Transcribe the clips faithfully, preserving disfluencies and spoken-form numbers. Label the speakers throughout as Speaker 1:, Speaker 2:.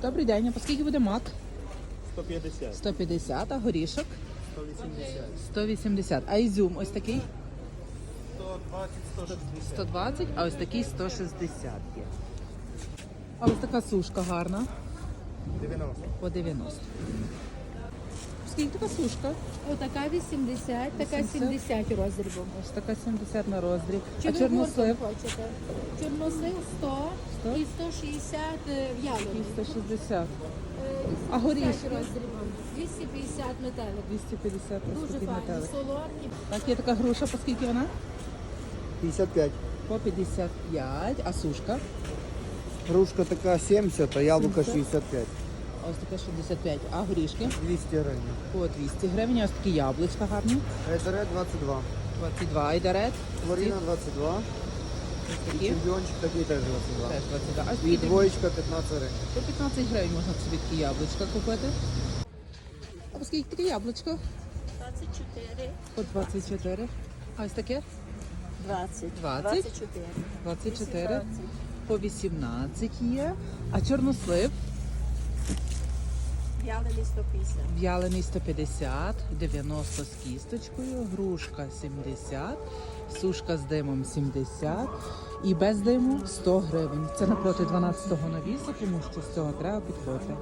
Speaker 1: Добрий день, а по скільки буде мак?
Speaker 2: сто п'ятдесят.
Speaker 1: сто п'ятдесят, а горішок?
Speaker 2: сто вісімдесят.
Speaker 1: сто вісімдесят. А ізюм ось такий?
Speaker 2: сто двадцять, сто шістдесят.
Speaker 1: сто двадцять, а ось такий сто шістдесят є. А ось така сушка гарна.
Speaker 2: дев'яносто.
Speaker 1: По дев'яносто. Скільки така сушка?
Speaker 3: Отака вісімдесят, така
Speaker 1: вісімдесят.
Speaker 3: сімдесят роздрібом.
Speaker 1: Ось така сімдесят на роздріб.
Speaker 3: Чи
Speaker 1: А
Speaker 3: ви
Speaker 1: чорнослив?
Speaker 3: гуртом хочете? Чорнослив сто,
Speaker 1: сто?
Speaker 3: і сто шістдесят в'ялений.
Speaker 1: І сто шістдесят.
Speaker 3: Е,
Speaker 1: А горішки?
Speaker 3: вісімдесят роздрібом. двісті п'ятдесят метелик.
Speaker 1: двісті п'ятдесят ось
Speaker 3: Дуже
Speaker 1: такий
Speaker 3: файні,
Speaker 1: метелик.
Speaker 3: солодкі.
Speaker 1: Так, є така груша, по скільки вона?
Speaker 2: п'ятдесят п'ять.
Speaker 1: По п'ятдесят п'ять. А сушка?
Speaker 2: Грушка така сімдесят, а яблука
Speaker 1: сімдесят.
Speaker 2: шістдесят п'ять.
Speaker 1: А ось така шістдесят п'ять. А горішки?
Speaker 2: двісті гривень.
Speaker 1: По двісті гривень. А ось такі яблучка гарні.
Speaker 2: Айдарет двадцять два.
Speaker 1: двадцять два айдарет.
Speaker 2: Флоріна двадцять два.
Speaker 1: Ось
Speaker 2: І
Speaker 1: такі.
Speaker 2: чемпіончик такий теж двадцять два.
Speaker 1: Теж двадцять два. А
Speaker 2: І
Speaker 1: скільки?
Speaker 2: двоєчка п'ятнадцять гривень.
Speaker 1: По п'ятнадцять гривень можна собі такі яблучка купити. А по скільки таке яблучко?
Speaker 3: двадцять чотири.
Speaker 1: По двадцять чотири. А ось таке?
Speaker 3: двадцять.
Speaker 1: двадцять.
Speaker 3: чотири.
Speaker 1: двадцять чотири. По вісімнадцять є. А чорнослив?
Speaker 3: В'ялений сто п'ятдесят.
Speaker 1: В'ялений сто п'ятдесят, дев'яносто з кісточкою, грушка сімдесят, сушка з димом сімдесят і без диму сто гривень. Це напроти дванадцятого навісу, тому що з цього треба підходити.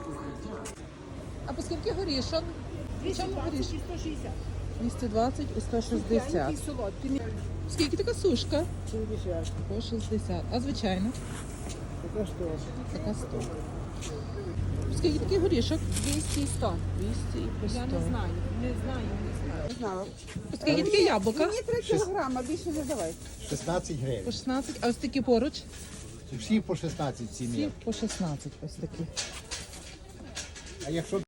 Speaker 1: А по скільки горішок? Чому горішок?
Speaker 3: і сто шістдесят.
Speaker 1: двісті двадцять і сто шістдесят.
Speaker 3: солодкі.
Speaker 1: Скільки така сушка?
Speaker 2: шістдесят.
Speaker 1: По шістдесят. А звичайно?
Speaker 2: Така що?
Speaker 1: Така сто. Скільки такий горішок?
Speaker 3: двісті і сто.
Speaker 1: двісті і по сто.
Speaker 3: Я не знаю. Не знаю, не знаю.
Speaker 1: Скільки таке яблука?
Speaker 4: Мені три кілограма, більше не давай.
Speaker 5: шістнадцять
Speaker 1: По
Speaker 5: гривень.
Speaker 1: шістнадцять. А ось такі поруч?
Speaker 5: Всі по шістнадцять ціни.
Speaker 1: Всі по шістнадцять ось такі.
Speaker 5: А якщо